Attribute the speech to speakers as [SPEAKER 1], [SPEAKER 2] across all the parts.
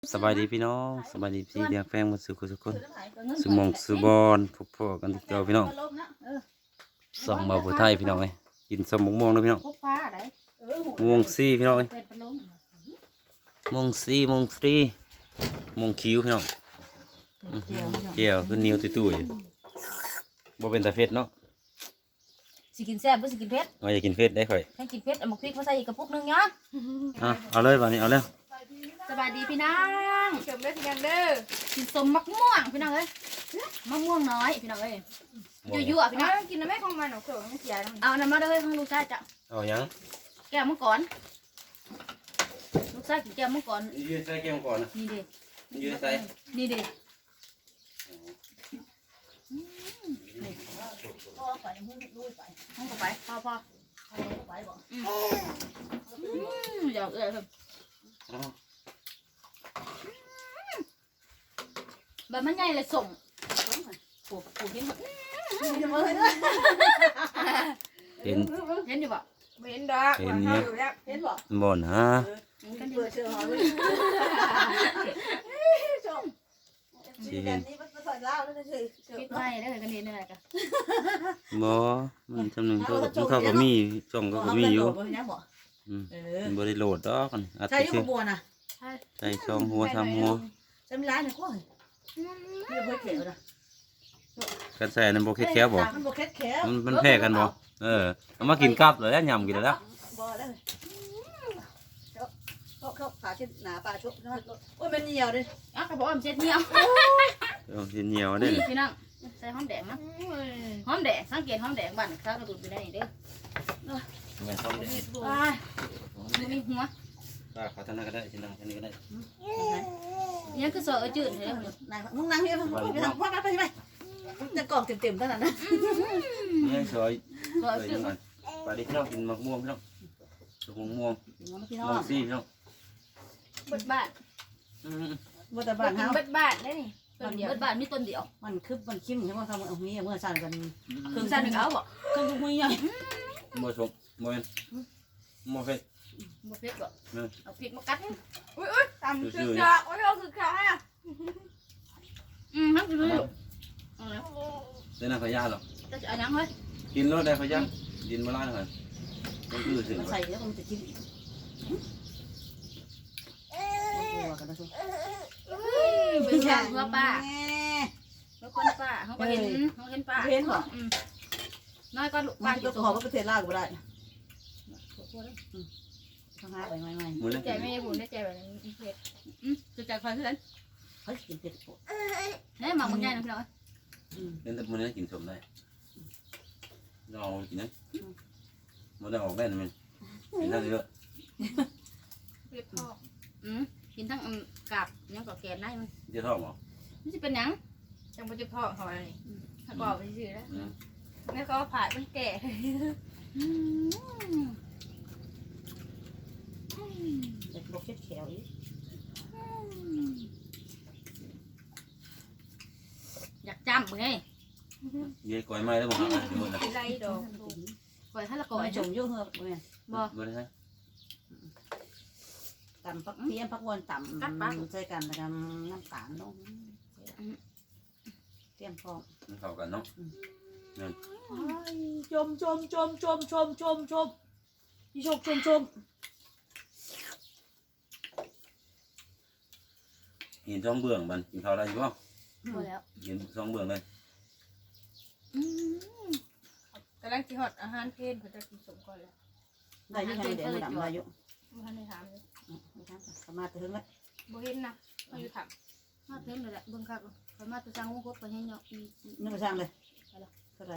[SPEAKER 1] สบายดีพี่น้องสบายดีพี่เดียงแฟงมาสู่ทุกคนสมองสุบอนพบพ่อกันที่เก่าพี่น้องส่องเบาผู้ไทยพี่น้องเลยกินสมม่วงนะพี่น้องม่วงซี่พี่น้องเลยม่วงซี่ม่วงฟรีม่วงคิ้วพี่น้องเจียวคือนิ้วตุ้ยๆบ่เป็นตาเฟ็ดเนาะ
[SPEAKER 2] สิกินแซ่บบ่สิกินเผ็ด
[SPEAKER 1] ว่าจะกินเฟ็ดได้ค่อย
[SPEAKER 2] ให้กินเผ็ดเอาหมกพริกมาใส่อีกกระปุกนึงเนาะ
[SPEAKER 1] เอาเลยวันนี้เอาแล้ว
[SPEAKER 2] สบายดีพี่น้องเฉิมได้พี่น้องเด้อกินสมมะม่วงพี่น้องเอ้ยมะม่วงน้อยพี่น้องเอ้ยยั่วๆพี่น้องกินน้ำแม่ของมันเขียวมันเสียเอาน้ำมาเลยของลูกชายจ้ะ
[SPEAKER 1] เอายัง
[SPEAKER 2] แก้วมังกรลูกชายกินแก้วมังกร
[SPEAKER 1] ยืดใส่แก้วก่อนนะ
[SPEAKER 2] นี่ดิ
[SPEAKER 1] ยืดใส่
[SPEAKER 2] นี่ดิพ่อไปมึงลุยไปห้องก็ไปพ่อไปบอกอยากครับแบบมันใหญ่เลยส่งปูเห็น
[SPEAKER 1] เห็น
[SPEAKER 2] อยู่บ่
[SPEAKER 3] เห็นดอกเห็นเนี่ยเห็นบ่
[SPEAKER 1] บ่นะ
[SPEAKER 3] กันเปิดเชื่อหอยชมมีแบบนี้มันถอยเล่าแล้วก็คือ
[SPEAKER 2] คิดไม่ได้เลยกันเห็นอะไรกัน
[SPEAKER 1] บ่มันจำหนึ่งเขาก็มีช่องก็มีอยู่บริโหลดดอกกัน
[SPEAKER 3] ใช่ยุบบัวนะ
[SPEAKER 1] ใส่ช่องหัวทำหัว
[SPEAKER 3] ใช่ไม่ร้ายนะก้อยไม่ได้เขียวนะ
[SPEAKER 1] กันใส่ในโบเค็ดแคบบ่
[SPEAKER 3] มันโบเค็ดแคบ
[SPEAKER 1] มันแพ้กันบ่เอามากินกับเลยแล้วยำกินแล้ว
[SPEAKER 3] บ่แล้วเขาผ่าเช็ดหนาปลาชุบโอ้ยมันเหนียวเลย
[SPEAKER 2] เขาบอกว่ามันเช็ดเหนียว
[SPEAKER 1] เหนียวได้
[SPEAKER 2] พี่น้องใส่หอมแดงนะหอมแดงสังเกตหอมแดงบ้านข้าวกระตุ้นไปได้เด้อ
[SPEAKER 1] ไม่หอมแดง
[SPEAKER 2] มีหัว
[SPEAKER 1] ขอทานก็ได้ชิ้นนี้ก็ได้
[SPEAKER 2] นี่คือซอยจืดเลย
[SPEAKER 3] นายมึงนั่งนี่ไปทำพ่อไปไปจะกรอบเต็มๆเท่านั้นนะ
[SPEAKER 1] นี่ซอยจืดไปดิพี่น้องกินมะม่วงพี่น้องม่วงซี่พี่น้อง
[SPEAKER 2] เบิดบ้าน
[SPEAKER 3] เบิดบ้าน
[SPEAKER 2] เบิดบ้านได้นี่เบิดบ้านมีต้นเดียว
[SPEAKER 3] มันคึบมันคิ้มใช่ไหมครับเอาเมื่อสั่นกัน
[SPEAKER 2] เครื่องสั่นเขาบอก
[SPEAKER 3] เครื่องมือใหญ่
[SPEAKER 1] โมชมโมเอ็นโมเฟส
[SPEAKER 2] โมเฟสบอกเอาพริกมากัดอุ้ยตำคือ
[SPEAKER 3] ขาโอ้ยเอาคือขาอ่ะ
[SPEAKER 2] ทั้งคือ
[SPEAKER 1] ได้น่าขยันหรอ
[SPEAKER 2] จะเอายังเฮ้ย
[SPEAKER 1] กินรสได้ขยันกินมาล่าหน่อย
[SPEAKER 3] มันคือถึงใส่แล้วมันจะกิน
[SPEAKER 2] เป็นช่างเพื่อป้าเพื่อคนป้าเขาเห็นป้า
[SPEAKER 3] เห็นหรอ
[SPEAKER 2] น้อยก็ลูก
[SPEAKER 3] ป้าจะขอว่าประเทศลาวก็ได้ทางหาไปใหม่
[SPEAKER 2] ใจไม่บุญได้ใจแบบนี้เผ็ดจะใจคอยขึ้น
[SPEAKER 3] เฮ้ยกินเผ็ดปุ๊บ
[SPEAKER 2] เนี่ยหมักมันใหญ่นะพี่น้อง
[SPEAKER 1] เล่นแต่มันได้กินสมได้เรากินนะมันได้ออกได้นะมันกินได้เยอะ
[SPEAKER 2] เผ็ดพ่อกินทั้งกาบยังกับแกนได้มัน
[SPEAKER 1] จะท้องหรอ
[SPEAKER 2] ไม่ใช่เป็นยังจังมันจะพ่อเขาอะไรถ้าบอกไปสิแล้วนี่เขาผ่ามันแก่
[SPEAKER 3] เด็กบอกเช็ดแขวอีก
[SPEAKER 2] อยากจำไง
[SPEAKER 1] เย่ก่อยไม้แล้วบอกอะไรอยู่นะ
[SPEAKER 2] ไรดอกก่อยถ้าละก่อย
[SPEAKER 3] จงยุ่งเหรอเว้ย
[SPEAKER 1] บ่ได้
[SPEAKER 3] ต่ำพักเพี้ยนพักวนต่ำใส่กันนะครับน้ำตาลลงเตรียมพร้อม
[SPEAKER 1] เข้ากันเนาะ
[SPEAKER 3] ชมพี่ชม
[SPEAKER 1] เห็นช่องเบื้องมันกินข้าวได้อยู่ป่ะ
[SPEAKER 2] พอแล้ว
[SPEAKER 1] เห็นช่องเบื้องเลย
[SPEAKER 2] กำลังกินหอดอาหารเพลนเขาจะกินสมก่อนแล้ว
[SPEAKER 3] ได้ยังไงเดี๋ยวดำได้อยู่
[SPEAKER 2] มันไม่ถามเลย
[SPEAKER 3] สามารถถึงแล้ว
[SPEAKER 2] บ่เห็นนะมาอยู่ถามมาเพิ่มเลยแหละเบิ่งคักสามารถจะสร้างวงกบไปให้เนาะ
[SPEAKER 3] นี่มาสร้างเลยเท่าไร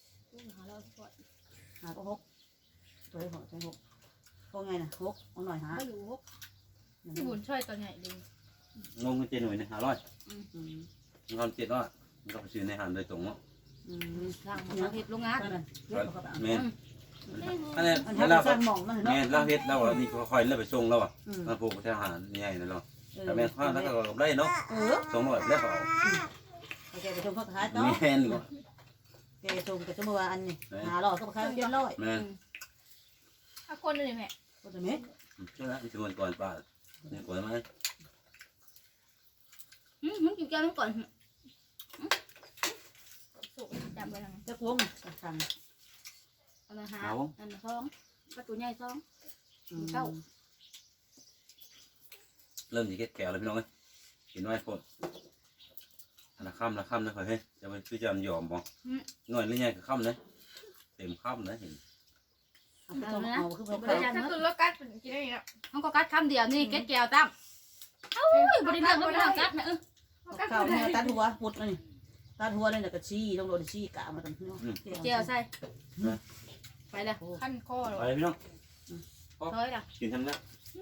[SPEAKER 3] หาก็หกตัวหกใช่หกก็ไงนะหกเอาหน่อยหา
[SPEAKER 2] ไม่รู้หกที่บุญช่วยตัวใหญ่ดี
[SPEAKER 1] งงเจนหน่อยนะ500เงิน700มันก็ไปซื้อในห้างโดยตรงเนาะ
[SPEAKER 2] สั่งมาเฮ็ดโรงงาน
[SPEAKER 1] แม่อันนี้เราแม่เราเฮ็ดเรานี่ค่อยๆแล้วไปส่งแล้วอ่ะมาปลูกแถวหาใหญ่เลยเนาะแต่แม่ข้าวแล้วก็ได้เนาะ200แล้วก็
[SPEAKER 3] เอาแกไปชมพักท้ายต่อ
[SPEAKER 1] แม่นก็
[SPEAKER 3] แกชมกับชมว่าอันนี้500ก็ค่า700
[SPEAKER 1] แม่
[SPEAKER 2] ถ้าคนเลยแม่
[SPEAKER 3] คนจะเม็ด
[SPEAKER 1] ใช่แล้วที่มันก่อนป้าเนี่ยก่อนไหม
[SPEAKER 2] แก้วมันก่อนสุกจำไว้ทาง
[SPEAKER 3] จะพงสั่ง
[SPEAKER 2] อันละ5อันละ2ประตูใหญ่2เข้า
[SPEAKER 1] เริ่มสิเก็ดแก้วแล้วพี่น้องเอ้ยกินน้อยคนอันละค่ำนะข่อยเฮ้ยจะไปคือจะยอมบ่หน่อยหรือไงคือค่ำเลยเต็มค่ำนะเห็น
[SPEAKER 3] เอาคือไป
[SPEAKER 2] ถ้าคือรสกัดกินได้ยังเขาก็กัดคำเดียวนี่เก็ดแก้วตั้มเอ้ยบริเวณก็ไม่ต้องกัดนะ
[SPEAKER 3] ข้าวเนี่ยตัดหัวปุดนี่ตัดหัวนี่แล้วก็ชี้ต้องโดนชี้กะมาตั้งเนาะ
[SPEAKER 2] แก้วใส่ไปเลยขั้นคอ
[SPEAKER 1] ไปพี่น้อง
[SPEAKER 2] เฮ้ยล่ะ
[SPEAKER 1] กินทำได้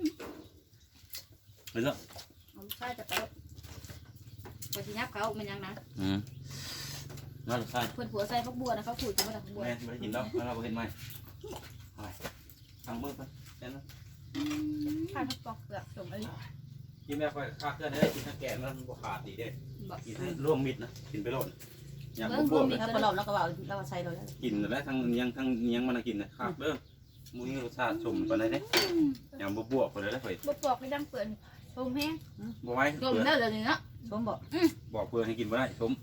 [SPEAKER 1] ไปแล้ว
[SPEAKER 2] เอาใส่จะไปไปที่ยับเขามันยังนะ
[SPEAKER 1] น่าจะใช่
[SPEAKER 2] เพื่อนผัวใส่พักบัวนะเขาขูดจะมาจากพักบัว
[SPEAKER 1] แม่ไม่ได้กินแล้วเราไปเห็นไหมไปทางมือไปแค่นั้น
[SPEAKER 2] ข้าวทับปอกเปลือกสมเอ้ย
[SPEAKER 1] กินแม่ค่อยคาเกลือได้กินทั้งแกงมันบวขาดดีเด้กินให้ร่วมมิดนะกินไปโลดอย่างบวบเลย
[SPEAKER 3] แล้วพอเราก็ว่าเราใส่เราแล้ว
[SPEAKER 1] กินแล้วทั้งเนียงมันกินนะคาเด้อมือรสชาติชมไปเลยเด้อย่างบวบไปเลยได้เผย
[SPEAKER 2] บปอกไม่ดังเปิดชมแห้ง
[SPEAKER 1] บวไว้
[SPEAKER 2] ชมได้เลยเนาะ
[SPEAKER 3] ชมบอก
[SPEAKER 1] บอกเพื่อให้กินบ่ได้ชม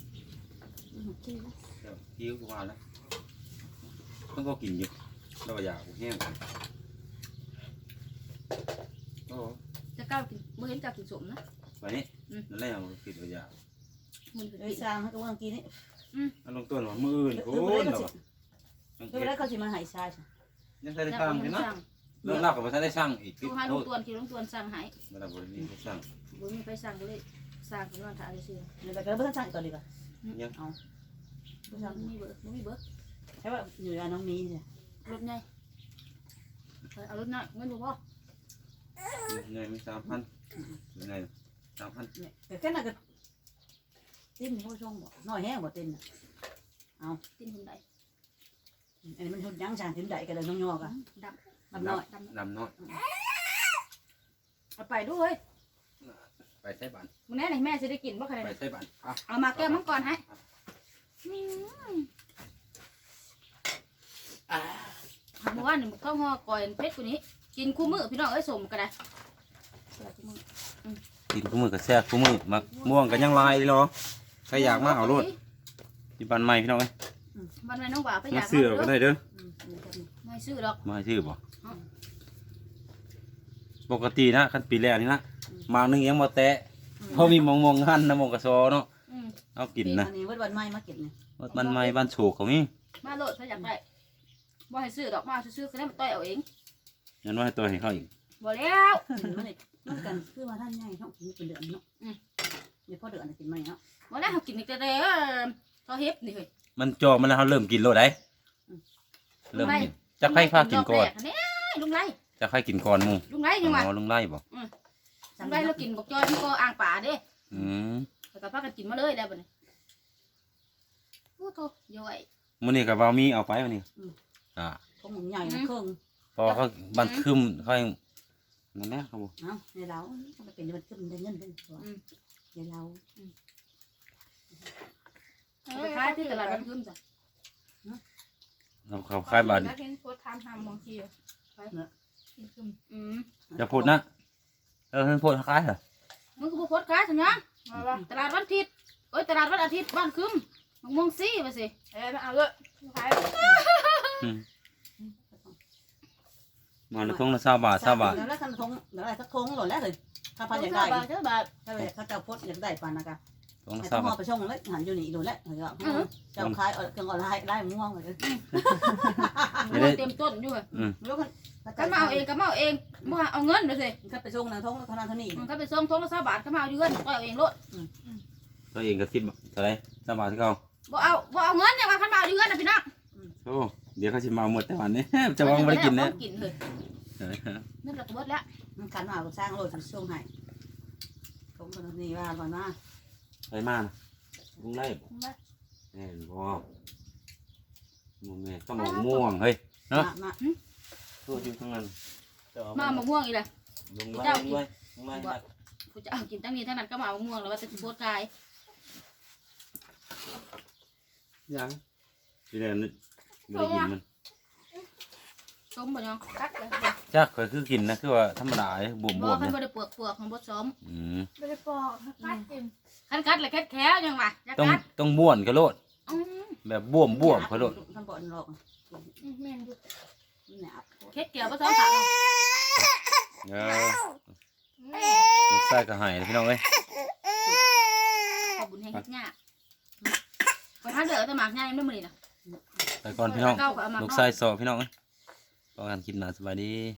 [SPEAKER 1] คิ้วกูว่าแล้วต้องก็กินอยู่เราอยากแห้งโอ้
[SPEAKER 2] จะก้าวกินเมื่อเห็นก้าวกินสมนะ
[SPEAKER 1] ไปนี่นั่นแหละเรากินเราอยาก
[SPEAKER 2] มัน
[SPEAKER 3] ไอ้สร้างให้กับว่ากินนี่
[SPEAKER 1] อันลงต้นว่ามืออื่นโอ้ยเรา
[SPEAKER 3] คือแล้วเขาสิมาหายชา
[SPEAKER 1] ยังได้สร้างอยู่นะเรื่องเล่ากับภาษาได้สร้างอีก
[SPEAKER 2] ดูให้ลุงตวนลุงตวนสั่งหาย
[SPEAKER 1] มาดับบริเวณสร้าง
[SPEAKER 2] บุญมีไปสั่งก็เลยสั่งกันวันถ่ายเชื่อ
[SPEAKER 3] เดี๋ยวก็เพิ่งสั่งก่อนดีกว่า
[SPEAKER 1] ยัง
[SPEAKER 3] เอา
[SPEAKER 2] มีเบอร์มีเบอร์
[SPEAKER 3] ใช่ว่าอยู่อันน้องนี้เนี่ย
[SPEAKER 2] รถไงเอารถหน่อยเงินดูพ่อ
[SPEAKER 1] ไงไม่3,000ไง3,000
[SPEAKER 3] แต่แค่นั้นก็ติ้นผู้ชมบอกน้อยแห้งบ่ติ้นเอา
[SPEAKER 2] ตินคนใด
[SPEAKER 3] อันนี้มันทุนยังจางถึงใดกันเลยน้องยอกอ่ะ
[SPEAKER 2] ด
[SPEAKER 3] มันน้อย
[SPEAKER 1] ดำน้อย
[SPEAKER 2] เอาไปด้วย
[SPEAKER 1] ไปใช้บัน
[SPEAKER 2] มึงแน่ไหนแม่จะได้กินบ่ใคร
[SPEAKER 1] ไปใช้บัน
[SPEAKER 2] เอามาแก้มังกรให้เมื่อวานนี่ข้าวห่อก่อยเพชรกูนี้กินคู่มือพี่น้องเอ้ยสมกันได้
[SPEAKER 1] กินคู่มือกับแซ่บคู่มือมักม่วงกันยังลายเลยเนาะใครอยากมาเอารถที่บ้านใหม่พี่น้องเอ้ย
[SPEAKER 2] บ้านแม่น้องบ่าวไปอาก
[SPEAKER 1] มายซื้อก็ได้เด้อ
[SPEAKER 2] ไม่ซื้อดอก
[SPEAKER 1] มาซื้อบ่ปกตินะขั้นปีแรกนี่นะมาหนึ่งยังมาแตะเพราะมีมองหันนะมองกระซอเนาะเอากินนะ
[SPEAKER 3] อันนี้วันใหม่มาเก็บเนี่ย
[SPEAKER 1] บ้านใหม่บ้านโฉกเขามี
[SPEAKER 2] มาโหลดถ้าอยากได้บ่ให้ซื้อดอกมาซื้อก็ได้มาต่อยเอาเอง
[SPEAKER 1] งั้นว่าให้ตัวให้เขาอีก
[SPEAKER 2] บ่แล้ว
[SPEAKER 3] มันเนี่ยมันกันคือว่าท่านใหญ่เขากินเป็นเดือนเนาะเดี๋ยวพอเดือนกินไหมเนาะ
[SPEAKER 2] บ่แล้วเขากินแต่เขาเฮ็บนี่เฮ้ย
[SPEAKER 1] มันจอมันแล้วเขาเริ่มกินโลดได้เริ่มกินจะใครพากินก่อน
[SPEAKER 2] ลุงไล่
[SPEAKER 1] จะใครกินก่อนมู
[SPEAKER 2] ลุงไล่ยังไง
[SPEAKER 1] อ๋อลุงไล่บ่
[SPEAKER 2] ลุงไล่เรากินบอกจอยมันก็อ่างป่าเด้
[SPEAKER 1] ม
[SPEAKER 2] แต่ก็พากันกินมาเลยแล้วบัดนี้โอ้โธ่ย่อย
[SPEAKER 1] มื้อนี้กับบ่าวมีเอาไปมื้อนี้
[SPEAKER 3] ของหมูใหญ่นะเครื่อง
[SPEAKER 1] พอเขาบันคึมเขานั่นแหละครับผม
[SPEAKER 3] เนาะในเรามันเป็นมันขึ้นได้เงินเป็นตัวในเรา
[SPEAKER 2] ไปขายที่ตลาดกันคืมจ้ะ
[SPEAKER 1] เขาคล้ายบาท
[SPEAKER 2] เห็นโพสทำมองทีไป
[SPEAKER 1] จะพูดนะเพิ่นพูดคล้ายเหรอ
[SPEAKER 2] มึงก็โพสขายสัญญาตลาดวันอาทิตย์โอ้ยตลาดวันอาทิตย์บ้านคืมมองซี่ไปสิเอาเลยขาย
[SPEAKER 1] มาในทงละ20 บาท20 บาท
[SPEAKER 3] แล้วคันทงแล้วอะไรสักทงหล่นแล้วเลยถ้าพันอยากได้
[SPEAKER 2] เจ้าบาท
[SPEAKER 3] ถ้าเขาเจ้าพดอยากได้ปันนะคะ
[SPEAKER 1] ทงละ
[SPEAKER 3] ให้ต้อง
[SPEAKER 1] 20
[SPEAKER 3] ม
[SPEAKER 1] บา
[SPEAKER 3] อ
[SPEAKER 1] ท
[SPEAKER 3] ไปช่องแล้วหันอยู่นี่หล่นแล้วเจ้าขายเครื่องออนไลน์ได้ม่วงเลย
[SPEAKER 2] เต็มต้นอยู่
[SPEAKER 3] แล้วกัน
[SPEAKER 2] ก็มาเอาเองก็มาเอาเองบ่เอาเงินเลยสิ
[SPEAKER 3] เขาไปช่องนะทงเท่านั้นเท่านี้
[SPEAKER 2] มันก็ไปส่งทงละ20 บาทก็มาเอาเงินก็เอาเองโลด
[SPEAKER 1] ตัวเองก็10 บาทเท่าไหร่20 บาทที่เขา
[SPEAKER 2] บ่เอาเงินเนี่ยว่าคันมาเอาเงินนะพี่น้อง
[SPEAKER 1] โอ้เดี๋ยวเขาสิมาหมดแต่วันนี้จะวางบ่ได้กินนะ
[SPEAKER 2] กินเลยนั่นแหละก็เบิดแล้ว
[SPEAKER 3] มันขันมาสร้างโลดช่วงให้ทงคนนี้ว่าก่อนมา
[SPEAKER 1] ไปมาลุงไล่บ่แม่นบ่มึงแม่ต้องเอาม่วงเฮ้ยเนาะ
[SPEAKER 3] มา
[SPEAKER 1] ตัวอยู่ทั้งนั้น
[SPEAKER 2] มาเอาม่วงอีกเลย
[SPEAKER 1] ลุงไล่
[SPEAKER 2] กูจะเอากินตั้งนี้ทั้งนั้นก็มาเอาม่วงแล้วว่าจะโพสกาย
[SPEAKER 1] ยังที่เดินบ่ได้กินมัน
[SPEAKER 2] ส้มบ่ยังกัดเลย
[SPEAKER 1] จักเคยคือกินนะคือว่าธรรมดาบวม
[SPEAKER 2] บ่
[SPEAKER 1] ๆ
[SPEAKER 2] คัน
[SPEAKER 1] เนี่ย
[SPEAKER 2] บ่ได้เปลือกของบ่ซ้อม
[SPEAKER 1] อืม
[SPEAKER 2] บ่ได้ปอกกัดกินคันกัดเลยแค่ยังวะ
[SPEAKER 1] ต้องบ้วนกระโลดแบบบ่วมกระโลด
[SPEAKER 3] ทำบ่อนหรอก
[SPEAKER 2] แม่นดู
[SPEAKER 3] เนี่ย
[SPEAKER 2] เฮ็ดเกี่ยวผสมผัก
[SPEAKER 1] ลูกชายก็ให้พี่น้องเอ้ย
[SPEAKER 2] ขอบบุญให้เฮ็ดเนี่ยไปหาเด้อแต่หมากใหญ่ไม่มื้อนี้น่ะ
[SPEAKER 1] ไปก่อนพี่น้องลูกชายสอบพี่น้องเอ้ยพอกันคลิปหน้าสบายดี